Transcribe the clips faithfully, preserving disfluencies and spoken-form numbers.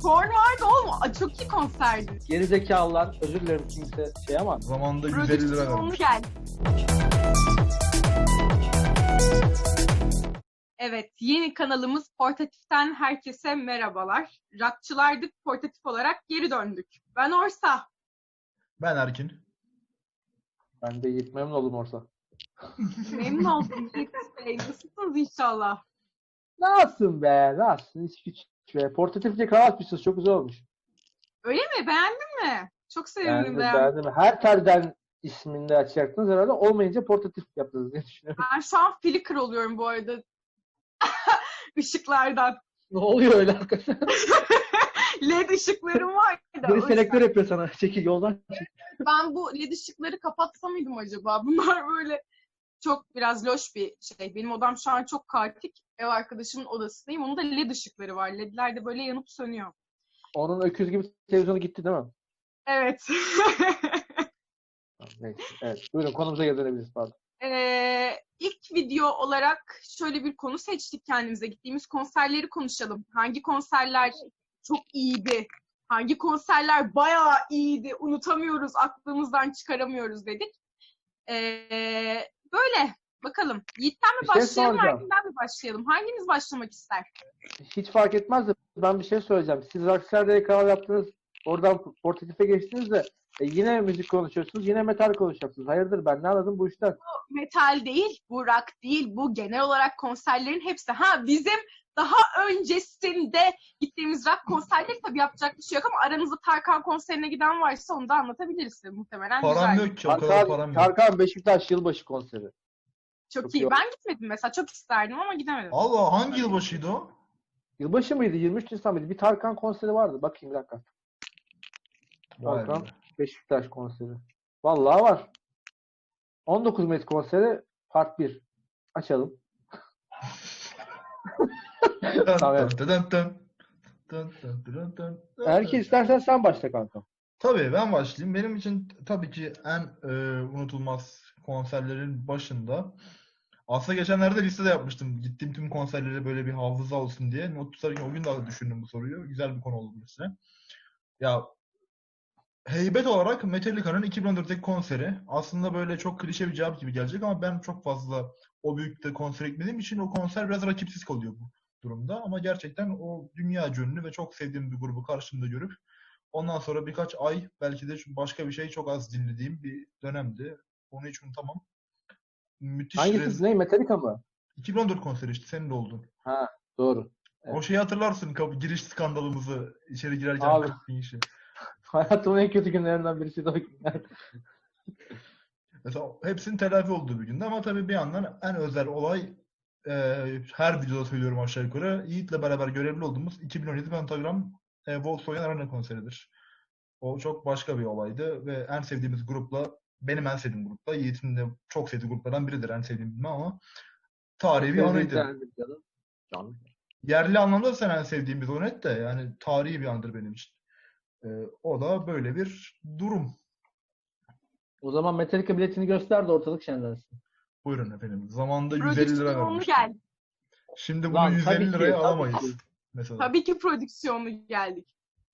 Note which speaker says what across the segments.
Speaker 1: Korn vardı oğlum. Aa, çok iyi konserdi.
Speaker 2: Gerizekalılar, özür dilerim kimse şey ama.
Speaker 3: Zamanında yüz elli lira
Speaker 1: Prodüksiyonu
Speaker 3: vermiş.
Speaker 1: gel. Evet, yeni kanalımız Portatif'ten herkese merhabalar. Rockçılardık, portatif olarak geri döndük. Ben Orsa.
Speaker 3: Ben Erkin.
Speaker 2: Ben de Yiğit, memnun oldum Orsa.
Speaker 1: Memnun oldum Yiğit Bey. Nasılsınız inşallah?
Speaker 2: Nasılsın be? Nasılsın? Hiç güç be. Portatifçe kravat atmışsınız. Çok güzel olmuş.
Speaker 1: Öyle mi? Beğendin mi? Çok sevindim.
Speaker 2: Beğendim,
Speaker 1: beğendim.
Speaker 2: beğendim. Her telden isminde açacaktınız herhalde. Olmayınca portatif yaptınız diye düşünüyorum.
Speaker 1: Ben şu an flicker oluyorum bu arada. Işıklardan.
Speaker 2: Ne oluyor öyle hakikaten?
Speaker 1: L E D ışıklarım var. da, o
Speaker 2: Biri
Speaker 1: yüzden
Speaker 2: selektör yapıyor sana. Çekil yoldan.
Speaker 1: Ben bu L E D ışıkları kapatsam mıydım acaba? Bunlar böyle çok biraz loş bir şey. Benim odam şu an çok kaotik. Ev arkadaşımın odasındayım. Onun da L E D ışıkları var. L E D'ler de böyle yanıp sönüyor.
Speaker 2: Onun öküz gibi televizyonu gitti değil mi?
Speaker 1: Evet.
Speaker 2: Neyse. Evet. Buyurun konumuza geri dönebiliriz. Pardon.
Speaker 1: Ee, ilk video olarak şöyle bir konu seçtik kendimize. Gittiğimiz konserleri konuşalım. Hangi konserler çok iyiydi? Hangi konserler bayağı iyiydi? Unutamıyoruz, aklımızdan çıkaramıyoruz dedik. Ee, böyle. Bakalım. Yiğit'ten mi
Speaker 2: Bir şey
Speaker 1: başlayalım,
Speaker 2: soracağım.
Speaker 1: Erkin'den mi başlayalım? Hanginiz başlamak ister?
Speaker 2: Hiç fark etmez de ben bir şey söyleyeceğim. Siz Rockstar'da kanal yaptınız. Oradan portatife geçtiniz de e, yine müzik konuşuyorsunuz. Yine metal konuşacaksınız. Hayırdır ben ne anladım bu işten?
Speaker 1: Metal değil, bu rock değil, bu genel olarak konserlerin hepsi. Ha bizim daha öncesinde gittiğimiz rock konserleri tabii yapacak bir şey yok ama aranızda Tarkan konserine giden varsa onu da anlatabiliriz size muhtemelen.
Speaker 3: Param
Speaker 1: güzel.
Speaker 3: yok ki, o kadar
Speaker 2: Tarkan,
Speaker 3: param yok.
Speaker 2: Tarkan Beşiktaş yılbaşı konseri.
Speaker 1: Çok,
Speaker 2: Çok
Speaker 1: iyi.
Speaker 2: iyi.
Speaker 1: Ben gitmedim mesela. Çok isterdim ama gidemedim.
Speaker 3: Allah, hangi yılbaşıydı o?
Speaker 2: Yılbaşı mıydı? yirmi üç Nisan mıydı? Bir Tarkan konseri vardı. Bakayım bir dakika.
Speaker 3: Vay
Speaker 2: Tarkan
Speaker 3: be.
Speaker 2: Beşiktaş konseri. Vallahi var. on dokuz Mayıs konseri part bir. Açalım.
Speaker 3: Dın
Speaker 2: Tamam.
Speaker 3: dın dın dın. Dın dın dın dın dın.
Speaker 2: Erkin istersen sen başla kanka.
Speaker 3: Tabii ben başlayayım. Benim için tabii ki en e, unutulmaz konserlerin başında. Aslında geçenlerde liste de yapmıştım. Gittiğim tüm konserlere böyle bir hafıza olsun diye. Not tutarken o gün daha düşündüm bu soruyu. Güzel bir konu oldu mesela. Ya heybet olarak Metallica'nın iki bin on dörtteki konseri. Aslında böyle çok klişe bir cevap gibi gelecek ama ben çok fazla o büyüklükte konser gitmediğim için o konser biraz rakipsiz kalıyor bu durumda. Ama gerçekten o dünya ünlü ve çok sevdiğim bir grubu karşımda görüp ondan sonra birkaç ay belki de başka bir şey çok az dinlediğim bir dönemdi. Onu hiç unutamam. Müthiş
Speaker 2: Hangisi?
Speaker 3: rez...
Speaker 2: Ne? Metallica mı?
Speaker 3: iki bin on dört konseri işte senin de oldun.
Speaker 2: Ha, doğru. Evet.
Speaker 3: O şeyi hatırlarsın, kapı giriş skandalımızı, içeri girerken
Speaker 2: Abi.
Speaker 3: gittiğin işi.
Speaker 2: Hayatımın en kötü günlerinden birisi de o günler.
Speaker 3: Mesela hepsinin telafi olduğu bir günde ama tabii bir yandan en özel olay e, her videoda söylüyorum aşağı yukarı. Yiğit'le beraber görevli olduğumuz iki bin on yedi Pentagram e, Volkswagen Arena konseridir. O çok başka bir olaydı ve en sevdiğimiz grupla, benim en sevdiğim grupla, Yiğit'in de çok sevdiği gruplardan biridir en sevdiğim bilmem ama tarihi bir anıydı.
Speaker 2: Canlı.
Speaker 3: Yerli anlamda da sen en sevdiğim bir net de yani tarihi bir andır benim için. E, o da böyle bir durum.
Speaker 2: O zaman Metallica biletini göster de ortalık şenlensin.
Speaker 3: Buyurun efendim. Zamanında yüz elli lira
Speaker 1: Prodüksiyonu
Speaker 3: vermiştim.
Speaker 1: geldi.
Speaker 3: Şimdi bunu
Speaker 2: Lan, tabii
Speaker 3: yüz elli
Speaker 2: ki,
Speaker 3: liraya
Speaker 2: tabii
Speaker 3: alamayız.
Speaker 2: ki.
Speaker 3: Mesela.
Speaker 1: Tabii ki prodüksiyonu geldik.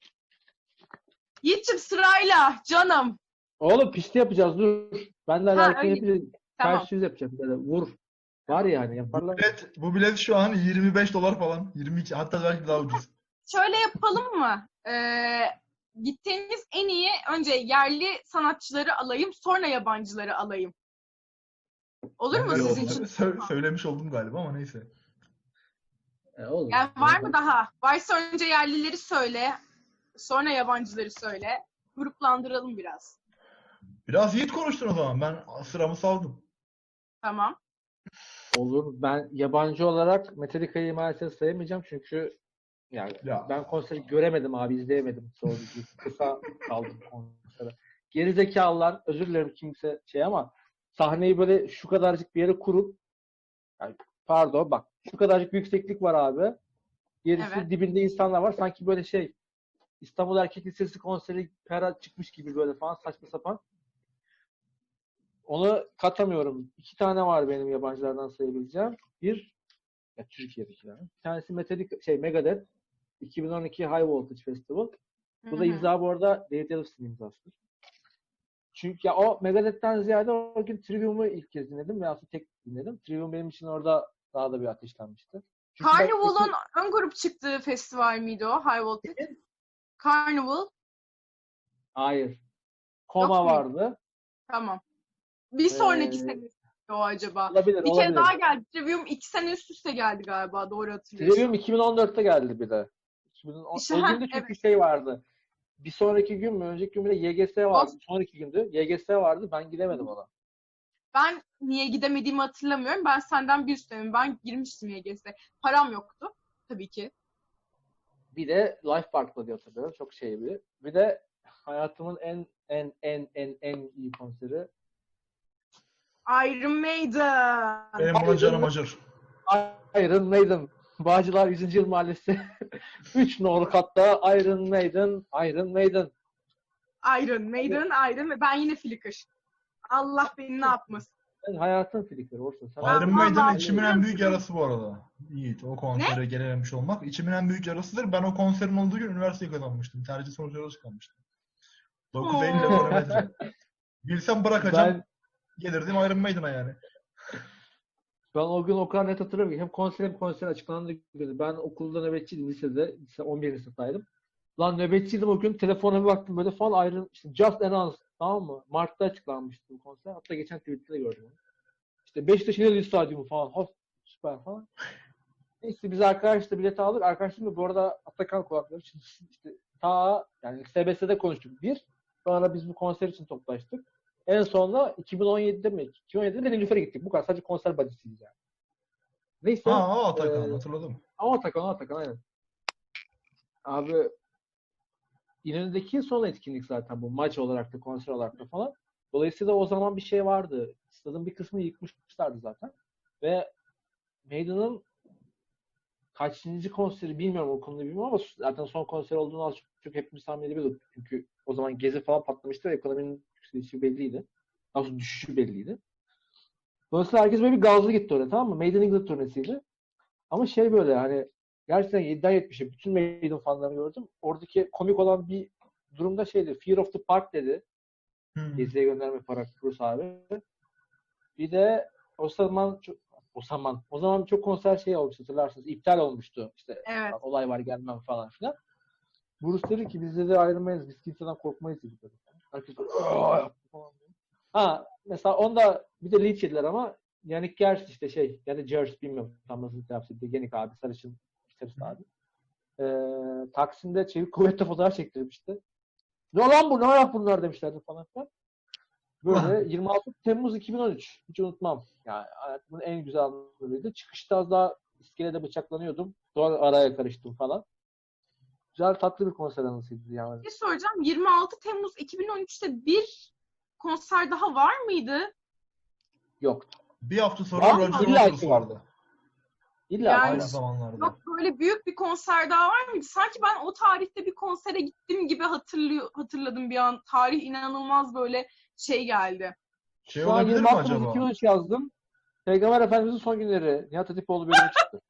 Speaker 1: Yiğit'ciğim sırayla canım.
Speaker 2: Oğlum pişti yapacağız dur. Ben de
Speaker 1: Ha,
Speaker 2: Erkin
Speaker 1: öyle.
Speaker 2: yapacağız.
Speaker 1: Tamam.
Speaker 2: Ters yüz yapacağım. Böyle vur. Var yani
Speaker 3: Bu
Speaker 2: yaparlar.
Speaker 3: bilet, bu bilet şu an yirmi beş dolar falan. yirmi iki, hatta belki daha ucuz.
Speaker 1: Şöyle yapalım mı? Ee, gittiğimiz en iyi önce yerli sanatçıları alayım, sonra yabancıları alayım. Olur mu
Speaker 3: Ben de
Speaker 1: sizin
Speaker 3: sö-
Speaker 1: için?
Speaker 3: sö- söylemiş oldum galiba ama neyse.
Speaker 2: E, oğlum.
Speaker 1: Yani var mı daha? Varsa önce yerlileri söyle, sonra yabancıları söyle. Gruplandıralım biraz.
Speaker 3: Biraz Yiğit konuştun o zaman. Ben sıramı saldım.
Speaker 1: Tamam.
Speaker 2: Olur. Ben yabancı olarak Metallica'yı maalesef sayamayacağım çünkü yani
Speaker 3: Ya.
Speaker 2: ben konseri göremedim abi, izleyemedim. Sonra kısa kaldım konsere. Gerizekalılar, özür dilerim kimse şey ama sahneyi böyle şu kadarcık bir yere kurup yani pardon bak şu kadarcık bir yükseklik var abi. Gerisi
Speaker 1: Evet.
Speaker 2: dibinde insanlar var. Sanki böyle şey İstanbul Erkek Lisesi konseri pera çıkmış gibi böyle falan saçma sapan. Onu katamıyorum. İki tane var benim yabancılardan sayabileceğim. Bir ya Türkiye'dekiler. Bir tanesi Metallica şey Megadeth. iki bin on iki High Voltage Festival. Bu
Speaker 1: Hı
Speaker 2: da
Speaker 1: hı.
Speaker 2: imza bu arada David Ellefson'ın imzasıdır. Çünkü ya o Megadeth'ten ziyade o gün Trivium'u ilk kez dinledim ve aslında tek dinledim. Trivium benim için orada daha da bir ateşlenmişti. Çünkü ben
Speaker 1: Carnival'ın
Speaker 2: iki-
Speaker 1: ön grup çıktığı festival miydi o? High Voltage. Carnival.
Speaker 2: hayır. Koma
Speaker 1: Yok muydu?
Speaker 2: vardı.
Speaker 1: Tamam. Bir sonraki
Speaker 2: Ee,
Speaker 1: sene o acaba.
Speaker 2: olabilir,
Speaker 1: Bir kere
Speaker 2: olabilir.
Speaker 1: daha geldi. Trivium iki sene üst üste geldi galiba. Doğru hatırlıyorsam.
Speaker 2: Trivium iki bin on dörtte geldi bir de. iki bin on
Speaker 1: İşte,
Speaker 2: o
Speaker 1: heh,
Speaker 2: gün de çünkü
Speaker 1: evet.
Speaker 2: şey vardı. Bir sonraki gün mü? Önceki gün bir de Y G S vardı.
Speaker 1: Of.
Speaker 2: Sonraki gündü. Y G S vardı. Ben gidemedim ona.
Speaker 1: Ben niye gidemediğimi hatırlamıyorum. Ben senden bir üsttenim. Ben girmiştim Y G S'e. Param yoktu. Tabii ki.
Speaker 2: Bir de Life Park'ta diye hatırlıyorum. Çok şey bir. Bir de hayatımın en en en en en iyi konseri.
Speaker 1: Iron Maiden.
Speaker 3: Benim buna canım acır.
Speaker 2: Iron Maiden. Bağcılar yüzüncü. Yıl Mahallesi. üç nolu katta Iron Maiden. Iron Maiden.
Speaker 1: Iron Maiden. Iron Maiden. Ben yine Flicker. Allah beni ne yapmasın.
Speaker 2: Sen hayatın filikleri olsun. Sen
Speaker 3: Iron
Speaker 1: Ben
Speaker 3: Maiden'ın
Speaker 1: vallahi
Speaker 3: içimin en büyük
Speaker 1: biliyorum.
Speaker 3: yarası bu arada. Yiğit, o konsere gelememiş olmak. İçimin en büyük yarasıdır. Ben o konserin olduğu gün üniversiteyi kazanmıştım. Tercih sonuçları çıkarmıştım. dokuz Eylül
Speaker 1: Oo.
Speaker 3: ekonometre. Bilsem bırakacağım.
Speaker 2: ben,
Speaker 3: Gelirdim Iron Maiden'a yani.
Speaker 2: ben o gün o kadar net hatırlıyorum ki hem konser hem konser açıklandığı günü. Ben okulda nöbetçiydim lisede. Lise on birinci sınıftaydım. Lan nöbetçiydim o gün. Telefona bir baktım böyle falan Iron işte Just Announced, tamam mı? Mart'ta açıklanmıştı bu konser. Hatta geçen tweet'te de gördüm onu. İşte Beşiktaş İnönü Stadyumu falan. Hoş, süper falan. Neyse biz arkadaşla bilet aldık. Arkadaşlarımla bu arada Atakan kulakları için işte ta yani S B S'de konuştuk bir. Sonra biz bu konser için toplaştık. En sonunda iki bin on yedide mi? iki bin on yedide de Nilüfer'e gittik. Bu kadar. Sadece konser badisiyiz yani. Neyse.
Speaker 3: Ha, o Atakan
Speaker 2: e,
Speaker 3: hatırladım.
Speaker 2: ama Atakan, o Atakan aynen. Abi İnönü'deki son etkinlik zaten bu. Maç olarak da konser olarak da falan. Dolayısıyla o zaman bir şey vardı. Stadın bir kısmını yıkmışlardı zaten. Ve Maiden'ın kaçıncı konseri bilmiyorum, o konuda bilmiyorum ama zaten son konser olduğunu az çok hepimiz tahmin edebiliyorduk. Çünkü o zaman Gezi falan patlamıştı ve ekonominin yükselişi belliydi. Daha sonra düşüşü belliydi. Dolayısıyla herkes böyle bir gazlı gitti oraya, tamam mı? Made in England turnesiydi. Ama şey böyle hani gerçekten yediden yetmişe bütün Maiden fanlarını gördüm. Oradaki komik olan bir durumda şeydi. Fear of the Park dedi.
Speaker 3: Hmm.
Speaker 2: Geziye gönderme para Cruz abi. Bir de o zaman çok, o zaman o zaman çok konser şey olmuştu, hatırlarsınız. İptal olmuştu. İşte
Speaker 1: Evet.
Speaker 2: olay var gelmem falan filan. Bruce dedi ki biz de ayrılmayız. Biz kimseden korkmayız dedik. Herkes "Aa!" yaptı falan. Ha mesela onda bir de linç yediler ama Yannick Gers işte şey yani Gers bilmiyorum tam nasıl telaffuz ediyor. Yannick abi sarışın gitarist abi. Ee, Taksim'de çevik kuvvetle fotoğraf çektirmişti. Ne lan bu, ne ayak bunlar demişlerdi falan filan. Böyle yirmi altı Temmuz iki bin on üç. Hiç unutmam. Yani hayatımın en güzel anlarıydı. Çıkışta az daha iskelede bıçaklanıyordum. Sonra araya karıştım falan. Güzel tatlı bir konser anısıydı yani.
Speaker 1: Bir şey soracağım. yirmi altı Temmuz iki bin on üçte bir konser daha var mıydı?
Speaker 2: Yoktu.
Speaker 3: Bir hafta sonra
Speaker 2: Var mı?
Speaker 3: Roger
Speaker 2: İlla
Speaker 3: Waters
Speaker 2: ki
Speaker 3: vardı.
Speaker 2: İlla
Speaker 1: Yani-
Speaker 2: ki
Speaker 3: Aynı
Speaker 2: var.
Speaker 3: zamanlarda.
Speaker 1: Yok, böyle büyük bir konser daha var mıydı? Sanki ben o tarihte bir konsere gittim gibi hatırlıyor, hatırladım bir an. Tarih inanılmaz böyle şey geldi.
Speaker 3: Şey
Speaker 2: Şu an
Speaker 3: olabilir
Speaker 2: yirmi
Speaker 3: mi
Speaker 2: altı Temmuz
Speaker 3: acaba?
Speaker 2: iki bin on üç yazdım. Peygamber Efendimiz'in son günleri. Nihat Hatipoğlu bölümü çıktı.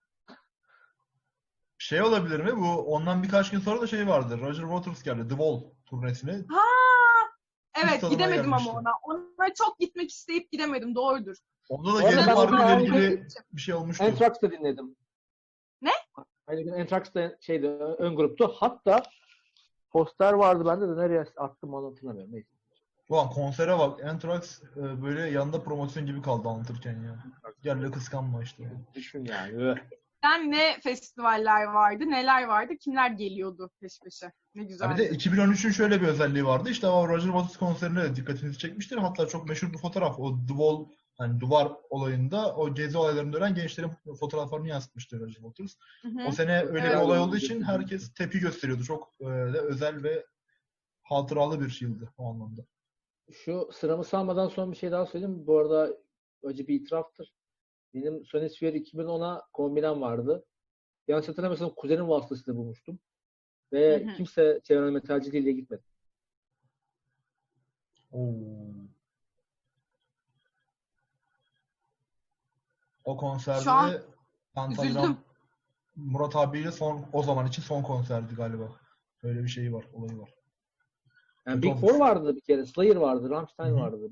Speaker 3: Şey olabilir mi? Bu ondan birkaç gün sonra da şey vardı. Roger Waters geldi. The Wall turnesine.
Speaker 1: Ha, evet
Speaker 3: tadına
Speaker 1: gidemedim
Speaker 3: gelmişti.
Speaker 1: ama ona. Ona çok gitmek isteyip gidemedim. Doğrudur.
Speaker 3: Onda da
Speaker 2: Bu arada
Speaker 3: Gezi
Speaker 2: ben
Speaker 3: Parkı
Speaker 2: onu
Speaker 3: ile
Speaker 2: aynı
Speaker 3: ilgili
Speaker 1: gün-
Speaker 3: bir şey olmuştu.
Speaker 2: Anthrax'ta dinledim.
Speaker 1: Ne?
Speaker 2: Aynı gün Anthrax'ta şeydi, ön gruptu. Hatta poster vardı bende de nereye attım onu hatırlamıyorum. Neyse.
Speaker 3: Ulan konsere bak. Anthrax e, böyle yanında promosyon gibi kaldı anlatırken ya. Gel de kıskanma işte.
Speaker 2: Düşün yani. Öh.
Speaker 1: Sen ne festivaller vardı, neler vardı, kimler geliyordu peş peşe? Ne
Speaker 3: Ha
Speaker 1: güzeldi.
Speaker 3: bir de iki bin on üçün şöyle bir özelliği vardı. İşte o Roger Waters konserine de dikkatinizi çekmiştir. Hatta çok meşhur bir fotoğraf. O The Wall, hani duvar olayında o gezi olaylarında ölen gençlerin fotoğraflarını yansıtmıştı Roger Waters.
Speaker 1: Hı hı.
Speaker 3: O sene öyle
Speaker 1: Evet.
Speaker 3: bir olay olduğu için herkes tepki gösteriyordu. Çok e, de özel ve hatıralı bir yıldı o anlamda.
Speaker 2: Şu sıramı salmadan son bir şey daha söyleyeyim. Bu arada acı bir itiraftır. Benim Sony Sphere iki bin ona kombinem vardı. Yanlış hatırlamıyorsam kuzenim vasıtasıyla bulmuştum. Ve
Speaker 1: Hı hı.
Speaker 2: kimse çevreme metalciliğiyle gitmedi.
Speaker 3: Oo. O konserde
Speaker 1: Şu an
Speaker 3: Pentagram
Speaker 1: üzüldüm.
Speaker 3: Murat abiyle son o zaman için son konserdi galiba. Öyle bir şeyi var, olayı var.
Speaker 2: Yani
Speaker 3: Kötü
Speaker 2: Big
Speaker 3: olmuş.
Speaker 2: Four vardı bir kere. Slayer vardı. Rammstein
Speaker 3: Hı hı.
Speaker 2: vardı.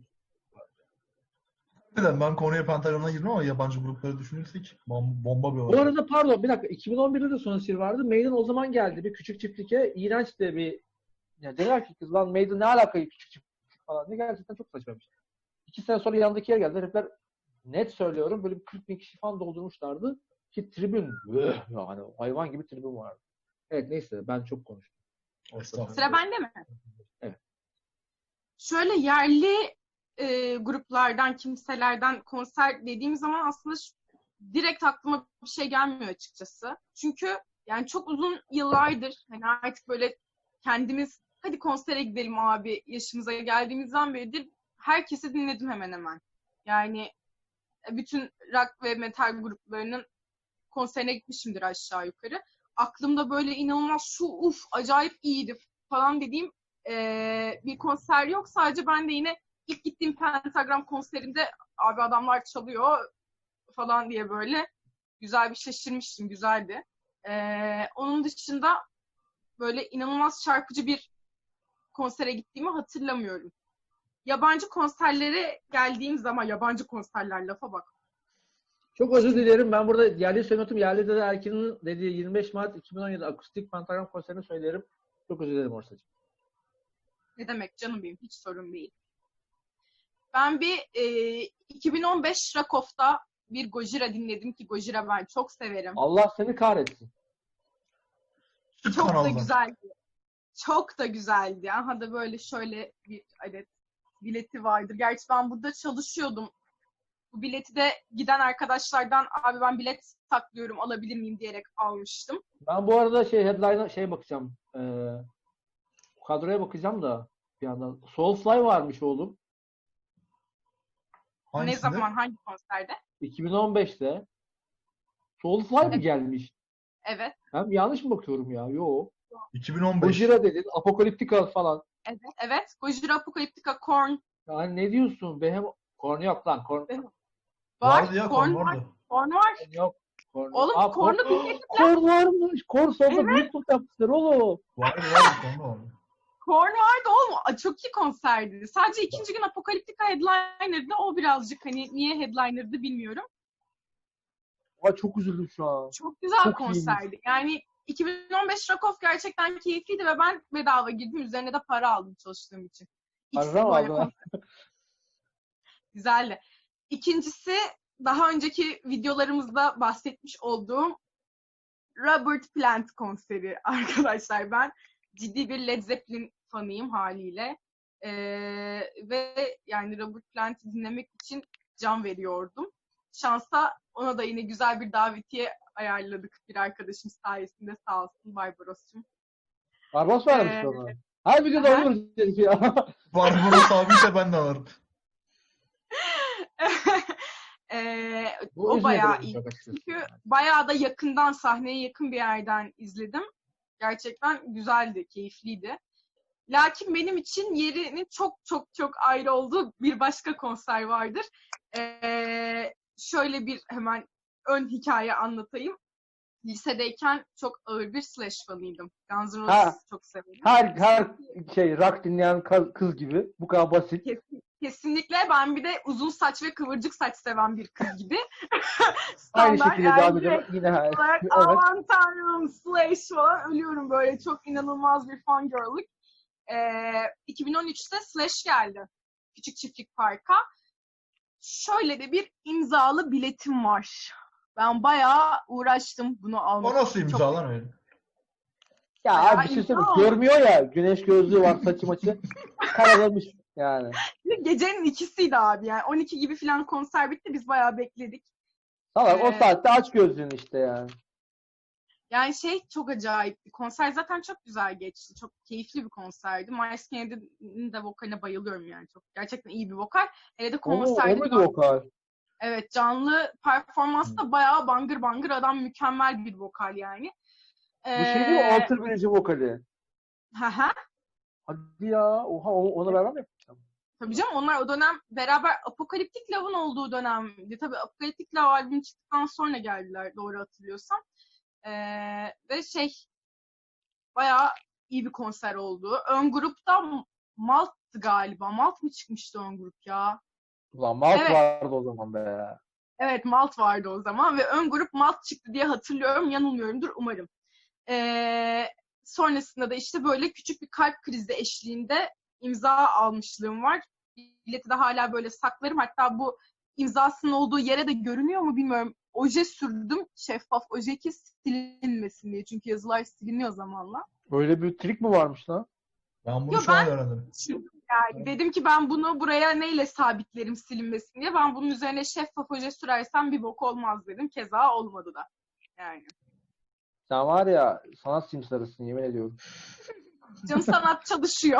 Speaker 3: Neden ben konuya Pentagon'a girdim ama yabancı grupları düşünürsek bom- bomba bir
Speaker 2: Bu
Speaker 3: olay.
Speaker 2: arada pardon bir dakika. iki bin on birde de Sonicir vardı. Maiden o zaman geldi. Bir küçük çiftliğe. İğrenç de bir ya dediler ki kız lan Maiden ne alaka küçük çiftlik falan. Ne gerçekten çok saçma bir şey. İki sene sonra yanındaki yer geldi. Herifler net söylüyorum böyle bir kırk bin kişi falan doldurmuşlardı. Ki tribün öh, yani hayvan gibi tribün vardı. Evet neyse ben çok konuştum.
Speaker 3: Estağfurullah.
Speaker 1: Sıra bende mi?
Speaker 2: Evet.
Speaker 1: Şöyle yerli e, gruplardan, kimselerden konser dediğim zaman aslında şu- direkt aklıma bir şey gelmiyor açıkçası. Çünkü yani çok uzun yıllardır hani artık böyle kendimiz hadi konsere gidelim abi yaşımıza geldiğimizden beridir herkesi dinledim hemen hemen. Yani bütün rock ve metal gruplarının konserine gitmişimdir aşağı yukarı. Aklımda böyle inanılmaz şu uf acayip iyiydi falan dediğim eee, bir konser yok. Sadece ben de yine ilk gittiğim Pentagram konserinde abi adamlar çalıyor falan diye böyle güzel bir şaşırmıştım. Güzeldi. Eee, onun dışında böyle inanılmaz çarpıcı bir konsere gittiğimi hatırlamıyorum. Yabancı konserlere geldiğim zaman yabancı konserler lafa bak.
Speaker 2: Çok özür dilerim. Ben burada yerli söylemedim. Yerli de Erkin'in dediği yirmi beş Mart iki bin on yedi akustik Pentagram konserini söylerim. Çok özür dilerim Orsacığım.
Speaker 1: Ne demek canım benim hiç sorun değil. Ben bir e, iki bin on beş Rakof'ta bir Gojira dinledim ki Gojira ben çok severim.
Speaker 2: Allah seni kahretsin.
Speaker 3: Türk
Speaker 1: Çok da
Speaker 3: kanaldan.
Speaker 1: güzeldi. Çok da güzeldi. Aha da böyle şöyle bir adet bileti vardır. Gerçi ben burada çalışıyordum. Bu bileti de giden arkadaşlardan abi ben bilet saklıyorum alabilir miyim diyerek almıştım.
Speaker 2: Ben bu arada şey headline'a şey bakacağım. Ee, kadroya bakacağım da bir yandan. Soulfly varmış oğlum.
Speaker 1: Ne
Speaker 3: Hangisinde?
Speaker 1: zaman hangi konserde?
Speaker 2: iki bin on beşte. Soulfly mı gelmiş?
Speaker 1: Evet.
Speaker 2: Ben yanlış mı bakıyorum ya? Yo.
Speaker 3: iki bin on beş.
Speaker 2: Gojira dedin. Apocalyptica falan.
Speaker 1: Evet. Evet. Gojira Apocalyptica Korn
Speaker 2: Yani ne diyorsun? Behem Korn yok lan. Korn
Speaker 1: var.
Speaker 3: Vardı ya,
Speaker 1: Korn
Speaker 3: kon
Speaker 1: var.
Speaker 3: vardı.
Speaker 1: Korn var.
Speaker 2: yok. Korn.
Speaker 1: Oğlum
Speaker 2: Aa,
Speaker 1: Korn'u
Speaker 2: Korn.
Speaker 1: dinledim.
Speaker 2: Korn varmış. Korn sonunda büyük tur yapmışlar oğlum.
Speaker 3: Vardı vardı, kon vardı.
Speaker 1: Korn vardı oğlum. Aa, çok iyi konserdi. Sadece ikinci gün Apocalyptica headliner'dı. O birazcık hani niye headliner'dı bilmiyorum.
Speaker 2: Ay çok üzüldüm şu an.
Speaker 1: Çok güzel
Speaker 2: Çok
Speaker 1: konserdi. Yani iki bin on beş Rakof gerçekten keyifliydi ve ben bedava girdim. Üzerine de para aldım çalıştığım için. İkisi
Speaker 2: Para mı
Speaker 1: böyle
Speaker 2: aldın?
Speaker 1: konser- Güzeldi. İkincisi daha önceki videolarımızda bahsetmiş olduğum Robert Plant konseri arkadaşlar. Ben ciddi bir Led Zeppelin fanıyım haliyle. Ee, ve yani Robert Plant'i dinlemek için can veriyordum. Şansa ona da yine güzel bir davetiye ayarladık bir arkadaşım sayesinde sağ olsun Barbaros'cum.
Speaker 2: Barbaros vermiş
Speaker 1: Ee,
Speaker 2: ona. Her videoda
Speaker 1: aha.
Speaker 2: alıyoruz herif ya.
Speaker 3: Barbaros abiyse ben de alırım.
Speaker 1: Ee,
Speaker 2: Bu
Speaker 1: o
Speaker 2: üzmedi
Speaker 1: bayağı
Speaker 2: beni
Speaker 1: iyi.
Speaker 2: çok açıkçası.
Speaker 1: Çünkü bayağı da yakından, sahneye yakın bir yerden izledim. Gerçekten güzeldi, keyifliydi. Lakin benim için yerinin çok çok çok ayrı olduğu bir başka konser vardır. Ee, şöyle bir hemen ön hikaye anlatayım. Lisedeyken çok ağır bir Slash fanıydım. Guns N'
Speaker 2: Ha.
Speaker 1: Roses çok severim.
Speaker 2: Her her şey rock dinleyen kız, kız gibi. Bu kadar basit.
Speaker 1: Kesin- Kesinlikle ben bir de uzun saç ve kıvırcık saç seven bir kız gibi.
Speaker 2: Aynı
Speaker 1: Standart
Speaker 2: şekilde devam
Speaker 1: yani
Speaker 2: ediyorum. Yine her.
Speaker 1: olarak
Speaker 2: Evet.
Speaker 1: aman tanrım Slash falan ölüyorum böyle çok inanılmaz bir fangirl'lık. Ee, iki bin on üçte Slash geldi. Küçük Çiftlik Park'a. Şöyle de bir imzalı biletim var. Ben bayağı uğraştım bunu almak
Speaker 3: O nasıl
Speaker 1: için.
Speaker 3: imza lan öyle?
Speaker 2: Ya
Speaker 1: Bayağı
Speaker 2: abi bir şey söyleyeyim.
Speaker 1: imza
Speaker 2: Görmüyor ya. Güneş gözlüğü var saçı maçı. Karalamış yani.
Speaker 1: Çok... Gecenin ikisiydi abi yani. on iki gibi falan konser bitti. Biz bayağı bekledik.
Speaker 2: Salak o
Speaker 1: Ee,
Speaker 2: saatte aç gözlüğünü işte yani.
Speaker 1: Yani şey çok acayipti. Konser zaten çok güzel geçti. Çok keyifli bir konserdi. Miles Kennedy'nin de vokaline bayılıyorum yani. Çok gerçekten iyi bir vokal. Hele de
Speaker 2: O, mu- o
Speaker 1: konserde
Speaker 2: muydu vokal?
Speaker 1: evet canlı performansta bayağı bangır bangır adam mükemmel bir vokal yani.
Speaker 2: Bu şey değil mi?
Speaker 1: Ee,
Speaker 2: Alter Bridge'in vokali.
Speaker 1: haha.
Speaker 2: Hadi ya. Oha onu, onu beraber mi yapacağım?
Speaker 1: Tabii canım onlar o dönem beraber Apocalyptic Love'ın olduğu dönemdi. Tabii Apocalyptic Love albüm çıktıktan sonra geldiler doğru hatırlıyorsam. Ee, ve şey bayağı iyi bir konser oldu. Ön grupta Malt'tı galiba. Malt mı çıkmıştı ön grup ya?
Speaker 2: Ulan Malt
Speaker 1: Evet.
Speaker 2: vardı o zaman be.
Speaker 1: Evet, Malt vardı o zaman ve ön grup Malt çıktı diye hatırlıyorum. Yanılmıyorumdur umarım. Ee, sonrasında da işte böyle küçük bir kalp krizi eşliğinde imza almışlığım var. Bileti de hala böyle saklarım. Hatta bu imzasının olduğu yere de görünüyor mu bilmiyorum. Oje sürdüm. Şeffaf oje ki silinmesin diye. Çünkü yazılar siliniyor zamanla.
Speaker 2: Böyle bir trik mi varmış lan?
Speaker 3: Ben bunu
Speaker 1: Yo,
Speaker 3: şu an
Speaker 1: ben-
Speaker 3: öğrendim.
Speaker 1: Yani dedim ki ben bunu buraya neyle sabitlerim silinmesin diye. Ben bunun üzerine şeffaf oje sürersem bir bok olmaz dedim. Keza olmadı da. Yani.
Speaker 2: Sen var ya sanat simsarısın yemin ediyorum.
Speaker 1: Canım sanat çalışıyor.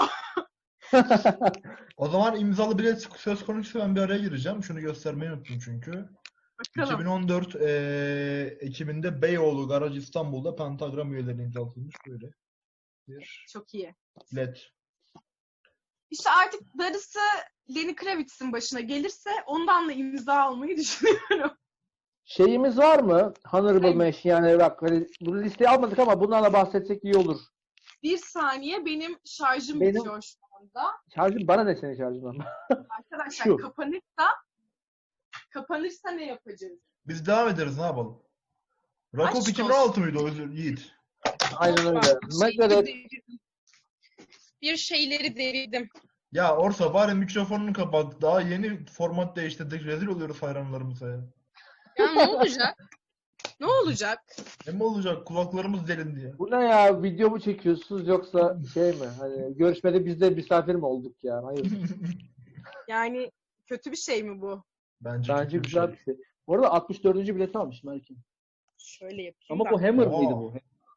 Speaker 3: O zaman imzalı bilet söz konusuysa ben bir araya gireceğim. Şunu göstermeyi unuttum çünkü.
Speaker 1: Bakalım.
Speaker 3: iki bin on dört eee, Ekim'inde Beyoğlu Garaj İstanbul'da Pentagram üyelerine imzalatılmış böyle bir
Speaker 1: Çok iyi.
Speaker 3: bilet.
Speaker 1: İşte artık darısı Lenny Kravitz'in başına gelirse ondan da imza almayı düşünüyorum.
Speaker 2: Şeyimiz var mı? Honorable
Speaker 1: Evet.
Speaker 2: mention yani bak hani bu listeyi almadık ama bundan da bahsetsek iyi olur.
Speaker 1: Bir saniye benim şarjım
Speaker 2: Benim-
Speaker 1: bitiyor şu anda.
Speaker 2: Şarjım bana ne senin şarjından?
Speaker 1: Arkadaşlar
Speaker 2: Şu.
Speaker 1: kapanırsa kapanırsa ne yapacağız?
Speaker 3: Biz devam ederiz ne yapalım? Rakop
Speaker 1: Aşk
Speaker 3: iki bin on altı mıydı o özür Yiğit?
Speaker 2: Aynen öyle.
Speaker 1: Bak,
Speaker 2: Megadeth
Speaker 1: şeyleri devirdim. Bir şeyleri devirdim.
Speaker 3: Ya Orsa bari mikrofonunu kapat. Daha yeni format değiştirdik. Rezil oluyoruz hayranlarımıza ya.
Speaker 1: Ya ne olacak? Ne olacak?
Speaker 3: Ne mi olacak? Kulaklarımız delindi ya.
Speaker 2: bu ne ya? Video mu çekiyorsunuz yoksa şey mi? Hani görüşmede biz de misafir mi olduk yani? Hayır.
Speaker 1: Yani kötü bir şey mi bu?
Speaker 3: Bence,
Speaker 2: Bence
Speaker 3: kötü bir
Speaker 2: güzel
Speaker 3: şey.
Speaker 2: bir şey. Bu arada altmış dördüncü bileti almışım Erkin.
Speaker 1: Şöyle yapayım
Speaker 2: Ama
Speaker 1: da.
Speaker 2: bu Hammer
Speaker 3: Oha.
Speaker 2: mıydı bu?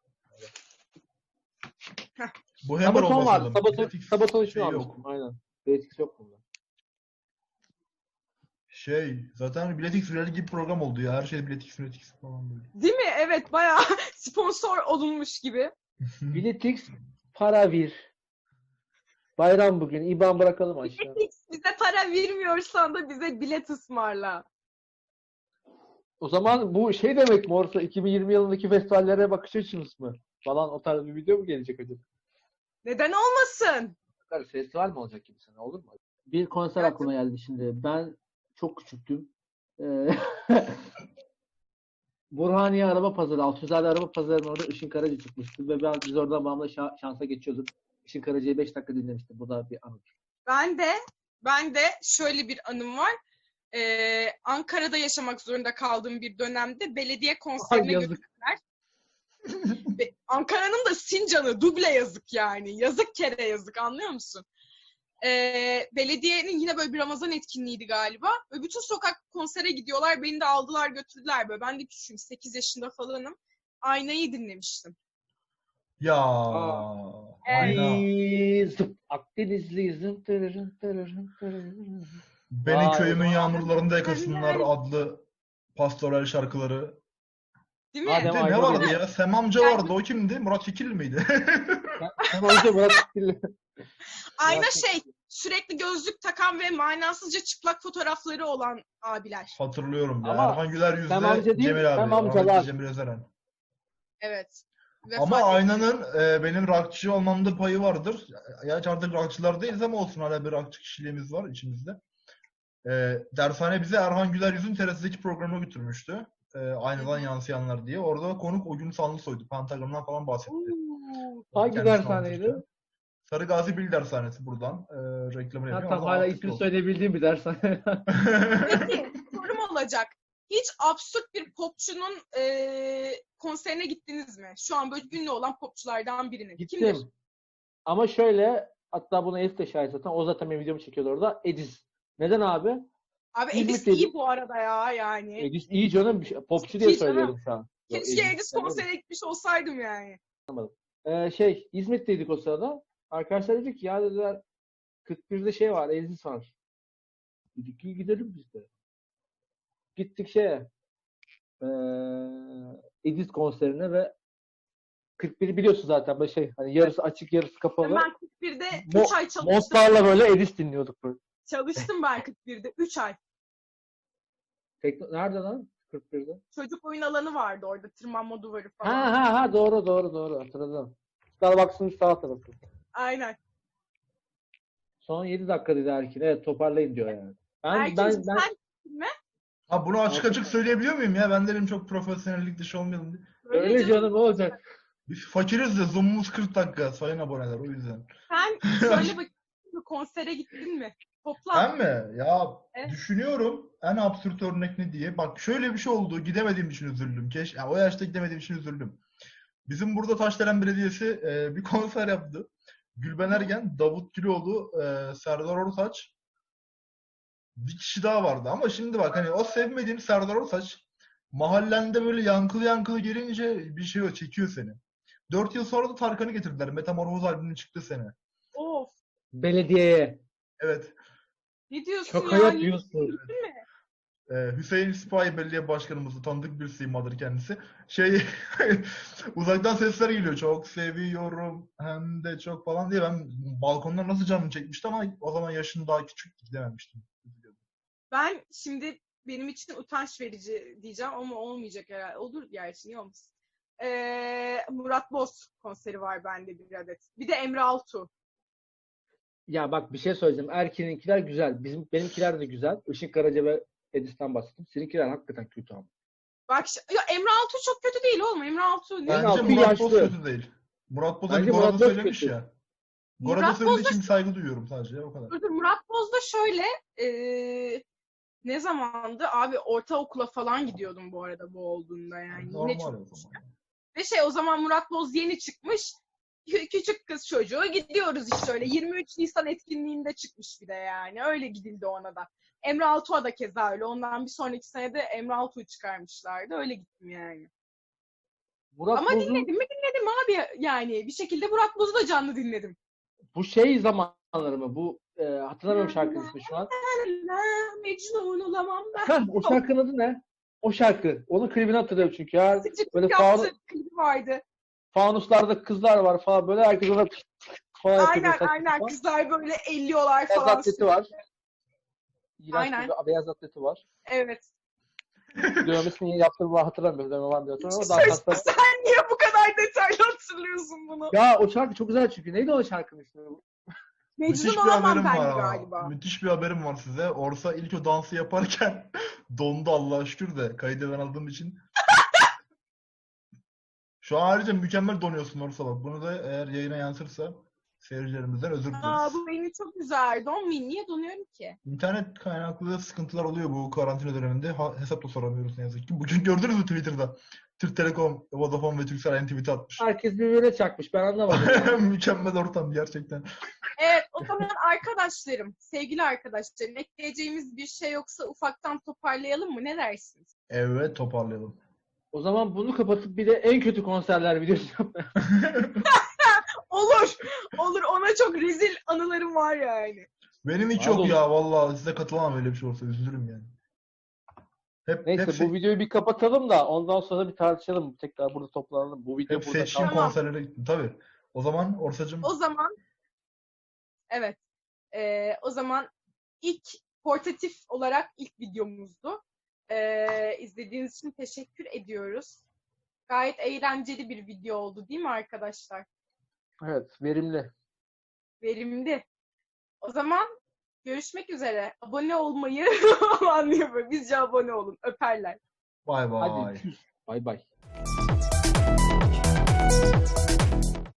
Speaker 3: Bu Hammer
Speaker 2: Sabaton
Speaker 3: olması
Speaker 2: var.
Speaker 3: lazım.
Speaker 2: Sabaton,
Speaker 3: Biletix
Speaker 2: Sabaton için
Speaker 3: şey yok.
Speaker 2: almıştım. Aynen. Biletix yok bunda.
Speaker 3: Şey, zaten Biletix Rally gibi program oldu ya. Her şey Biletix, Biletix falan böyle.
Speaker 1: Değil mi? Evet, bayağı sponsor olunmuş gibi.
Speaker 2: Biletix para vir. Bayram bugün. İban bırakalım aşağı.
Speaker 1: Bize para vermiyorsan da bize bilet ısmarla.
Speaker 2: O zaman bu şey demek mi Orsa? iki bin yirmi yılındaki festivallere bakış açımız mı? Falan o tarz bir video mu gelecek acaba?
Speaker 1: Neden olmasın?
Speaker 2: Festival mi olacak gibi sana olur mu? Bir konser
Speaker 1: Evet.
Speaker 2: aklıma geldi şimdi. Ben çok küçüktüm. Ee, Burhaniye Araba Pazarı, Altunzade Araba Pazarı'nın orada Işın Karaca çıkmıştı ve ben biz oradan bağımlı şa- şansa geçiyorduk. Işın Karaca'yı beş dakika dinlemiştim. Bu da bir anıdır.
Speaker 1: Ben de ben de şöyle bir anım var. Ee, Ankara'da yaşamak zorunda kaldığım bir dönemde belediye konserine
Speaker 2: Ay, yazık.
Speaker 1: götürdüler. Ve Ankara'nın da Sincan'ı duble yazık yani. Yazık kere yazık, anlıyor musun? Ee, belediyenin yine böyle bir Ramazan etkinliğiydi galiba. Ve bütün sokak konsere gidiyorlar. Beni de aldılar götürdüler böyle. Ben de küçüğüm. sekiz yaşında falanım. Aynayı dinlemiştim.
Speaker 3: Ya.
Speaker 1: Evet.
Speaker 3: Ayna.
Speaker 2: Zıp, Akdenizli zım tırırın tırırın tırırın.
Speaker 3: Beni
Speaker 2: Vay
Speaker 3: köyümün
Speaker 2: be.
Speaker 3: yağmurlarında yakasınlar
Speaker 1: Ay.
Speaker 3: adlı pastoral şarkıları.
Speaker 1: Değil mi?
Speaker 2: Adem
Speaker 3: Bir de ne
Speaker 2: Ayna
Speaker 3: vardı
Speaker 2: dedi.
Speaker 3: ya? Sem amca vardı. O kimdi? Murat Kekilli miydi?
Speaker 2: Hem önce Murat Kekilli.
Speaker 1: Ayna
Speaker 2: Murat
Speaker 1: şey, sürekli gözlük takan ve manasızca çıplak fotoğrafları olan abiler.
Speaker 3: Hatırlıyorum ya.
Speaker 2: Ama
Speaker 3: Erhan Güler
Speaker 2: Sem amca
Speaker 3: yüzde
Speaker 2: değil,
Speaker 3: Cemil
Speaker 2: Sem
Speaker 3: abi.
Speaker 2: amcalar.
Speaker 3: Rahmetli Cemil Özeren.
Speaker 1: Evet.
Speaker 3: Ama
Speaker 1: Vefat etti.
Speaker 3: Aynanın e, benim rockçı olmamda payı vardır. Gerçi artık rockçılar değiliz ama olsun hala bir rockçı kişiliğimiz var içimizde. E, dershane bize Erhan Güler Yüz'ün T R T'deki programına götürmüştü. E, aynadan
Speaker 1: Hı hı.
Speaker 3: yansıyanlar diye. Orada konuk o gün Sanlısoy'du. Pentagram'dan falan bahsetti.
Speaker 1: Oo.
Speaker 2: Hangi
Speaker 3: Kendisini
Speaker 2: dershaneydi?
Speaker 3: anlatırken. Sarı Gazi Bil Dershanesi buradan. E, reklamını
Speaker 2: Ha,
Speaker 3: yapıyorum.
Speaker 2: tamam
Speaker 3: Allah
Speaker 2: hala
Speaker 3: afiyet
Speaker 2: ismini
Speaker 3: olsun.
Speaker 2: söyleyebildiğim bir dershane.
Speaker 1: Peki, sorum olacak. Hiç absürt bir popçunun e, konserine gittiniz mi? Şu an böyle ünlü olan popçulardan birinin.
Speaker 2: Gittim.
Speaker 1: Kimdir?
Speaker 2: Ama şöyle hatta buna Elif de şahit zaten. O zaten benim videomu çekiyordu orada. Edis. Neden abi?
Speaker 1: Abi
Speaker 2: İzmit
Speaker 1: Edis
Speaker 2: dedi.
Speaker 1: iyi bu arada ya yani.
Speaker 2: Edis iyi canım. bir şey- Popçu diye
Speaker 1: İyi canım.
Speaker 2: söylüyorum şu an. Yok,
Speaker 1: Keşke
Speaker 2: Edis
Speaker 1: Edis
Speaker 2: demedim.
Speaker 1: konsere gitmiş olsaydım yani.
Speaker 2: Ee, şey İzmit'teydik o sırada. Arkadaşlar dedik ki ya dediler kırk birde şey var. Edis var. Dedik ki gidelim biz de. Gittik şeye ee, Edis konserine ve kırk biri biliyorsun zaten böyle şey hani yarısı açık yarısı kapalı.
Speaker 1: Ben kırk birde
Speaker 2: Mo-
Speaker 1: üç ay çalıştım.
Speaker 2: Montlarla böyle Edis dinliyorduk böyle.
Speaker 1: Çalıştım ben kırk birde üç ay.
Speaker 2: Tekno- Nerede lan? kırk birde.
Speaker 1: Çocuk oyun alanı vardı orada. Tırmanma duvarı falan.
Speaker 2: Ha ha ha doğru doğru doğru hatırladım. Starbucks'ın sağ tarafı.
Speaker 1: Aynen.
Speaker 2: Son yedi dakikadaydı Erkin. Evet toparlayın diyor yani. Ben
Speaker 1: Erkin'cim
Speaker 2: ben ben
Speaker 1: sen mi?
Speaker 3: Ha bunu açık açık söyleyebiliyor muyum ya? Ben dedim çok profesyonellik dışı olmayalım diye.
Speaker 2: öyle canım ne olacak?
Speaker 3: Biz fakiriz de Zoom'umuz kırk dakika sayın aboneler o yüzden.
Speaker 1: Sen söyle bakayım konsere gittin mi? Toplam.
Speaker 3: Ben mi? Ya
Speaker 1: Evet.
Speaker 3: düşünüyorum en absürt örnek ne diye. Bak şöyle bir şey oldu. Gidemediğim için üzüldüm. Keş, ya o yaşta gidemediğim için üzüldüm. Bizim burada Taşdelen Belediyesi e, bir konser yaptı. Gülben Ergen, Davut Güloğlu, e, Serdar Ortaç. Bir kişi daha vardı ama şimdi bak hani o sevmediğim Serdar Ortaç mahallende böyle yankılı yankılı gelince bir şey o çekiyor seni. Dört yıl sonra da Tarkan'ı getirdiler. Metamorfoz albümünün çıktığı sene.
Speaker 1: Of.
Speaker 2: Belediyeye.
Speaker 3: Evet.
Speaker 1: Ne diyorsun
Speaker 2: Şaka
Speaker 1: ya?
Speaker 2: yapıyorsun.
Speaker 3: Ee, Hüseyin Sipahi Belediye Başkanımızı tanıdık bir simadır kendisi. Şey uzaktan sesler geliyor. Çok seviyorum hem de çok falan diye ben balkondan nasıl canım çekmişti ama o zaman yaşım daha küçük gidememiştim.
Speaker 1: Ben şimdi benim için utanç verici diyeceğim ama olmayacak herhalde. Olur gerçi niye olmasın. Ee, Murat Boz konseri var bende bir adet. Bir de Emre Altuğ.
Speaker 2: Ya bak bir şey söyleyeceğim. Erkin'inkiler güzel. Bizim benimkiler de güzel. Işık Karaca ve Edis'ten bahsettim. Seninkiler hakikaten kötü ama.
Speaker 1: Bak ya Emre Altuğ çok kötü değil oğlum. Emre Altuğ ne?
Speaker 3: Bence
Speaker 2: Altuğ
Speaker 3: Murat Boz
Speaker 2: yaşlı.
Speaker 3: kötü değil. Murat Boz
Speaker 2: Bence
Speaker 3: hani
Speaker 2: Murat
Speaker 3: Gora'da
Speaker 2: Boz
Speaker 3: söylemiş
Speaker 2: kötü.
Speaker 3: ya. Gora'da
Speaker 1: Murat
Speaker 3: söylediği
Speaker 1: Boz da
Speaker 3: için saygı duyuyorum sadece o kadar.
Speaker 1: Dur, dur, Murat Boz da şöyle ee, ne zamandı? Abi ortaokula falan gidiyordum bu arada bu olduğunda yani. Yine
Speaker 3: Normal
Speaker 1: çok
Speaker 3: o zaman.
Speaker 1: Ve şey o zaman Murat Boz yeni çıkmış. Kü- Küçük kız çocuğu gidiyoruz işte öyle. yirmi üç Nisan etkinliğinde çıkmış bir de yani. Öyle gidildi ona da. Emre Altuğ'a da keza öyle. Ondan bir sonraki sene de Emre Altuğ'u çıkarmışlardı. Öyle gittim yani.
Speaker 2: Murat
Speaker 1: Ama
Speaker 2: Boz'un
Speaker 1: dinledim mi dinledim abi yani. Bir şekilde Murat Boz'u da canlı dinledim.
Speaker 2: bu şey zamanları mı? Bu e, hatırlamıyorum şarkının ismi şu an.
Speaker 1: Mecnun olamam ben.
Speaker 2: Heh, o şarkının adı ne? O şarkı. Onun klibini hatırlıyorum çünkü ya.
Speaker 1: Sıcak
Speaker 2: Böyle
Speaker 1: yaptı
Speaker 2: faun,
Speaker 1: klibi vardı.
Speaker 2: fanuslarda kızlar var falan. Böyle herkes ona falan yapıyor.
Speaker 1: Aynen
Speaker 2: saçma
Speaker 1: aynen
Speaker 2: sapan.
Speaker 1: kızlar böyle elliyorlar
Speaker 2: Beyaz
Speaker 1: falan.
Speaker 2: atleti var. İğrenç
Speaker 1: Aynen.
Speaker 2: bir beyaz atleti var.
Speaker 1: Evet.
Speaker 2: Dövmesini yaptığımı hatırlamıyorum. Dövme var diye hatırlamıyorum ama daha
Speaker 1: Sen,
Speaker 2: kaslar.
Speaker 1: sen niye bu kadar detaylı hatırlıyorsun bunu?
Speaker 2: Ya o şarkı çok güzel çünkü. Neydi o şarkının ismi?
Speaker 3: Müthiş
Speaker 1: Mecnun
Speaker 3: bir
Speaker 1: olamam
Speaker 3: haberim
Speaker 1: ben
Speaker 3: var ama.
Speaker 1: galiba.
Speaker 3: Müthiş bir haberim var size. Orsa ilk o dansı yaparken dondu Allah'a şükür de kaydı ben aldığım için. Şu an ayrıca mükemmel donuyorsun Orsa bak. Bunu da eğer yayına yansırsa seyircilerimizden özür dileriz.
Speaker 1: Aa, bu beni çok üzer. Donmayayım. Niye donuyorum ki?
Speaker 3: İnternet kaynaklı da sıkıntılar oluyor bu karantina döneminde. Ha, hesap da soramıyoruz ne yazık ki. Bugün gördünüz mü Twitter'da? Türk Telekom, Vodafone ve Turkcell aynı tweet atmış.
Speaker 2: Herkes birbirine çakmış. Ben anlamadım. Yani.
Speaker 3: Mükemmel ortam gerçekten.
Speaker 1: Evet o zaman arkadaşlarım, sevgili arkadaşlarım ekleyeceğimiz bir şey yoksa ufaktan toparlayalım mı? Ne dersiniz?
Speaker 3: Evet toparlayalım.
Speaker 2: O zaman bunu kapatıp bir de en kötü konserler videosu yapmaya.
Speaker 1: Olur. Olur. Ona çok rezil anılarım var yani.
Speaker 3: Benim hiç
Speaker 2: Var
Speaker 3: yok
Speaker 2: dolu.
Speaker 3: ya vallahi size katılamam öyle bir şey olsa üzülürüm yani. Hep,
Speaker 2: Neyse
Speaker 3: hep, se-
Speaker 2: bu videoyu bir kapatalım da ondan sonra bir tartışalım. Tekrar burada toplanalım. Bu video
Speaker 3: hep
Speaker 2: burada
Speaker 3: seçtiğim
Speaker 2: kalsın.
Speaker 1: Tamam.
Speaker 3: konserlere gittim tabii. O zaman Orsacığım
Speaker 1: O zaman evet. Ee, o zaman ilk portatif olarak ilk videomuzdu. Ee, izlediğiniz için teşekkür ediyoruz. Gayet eğlenceli bir video oldu değil mi arkadaşlar?
Speaker 2: Evet, verimli.
Speaker 1: Verimli. O zaman görüşmek üzere. Abone olmayı anlıyor böyle. Bizce abone olun. Öperler.
Speaker 3: bay bay.
Speaker 2: Hadi tschüss. Bay bay.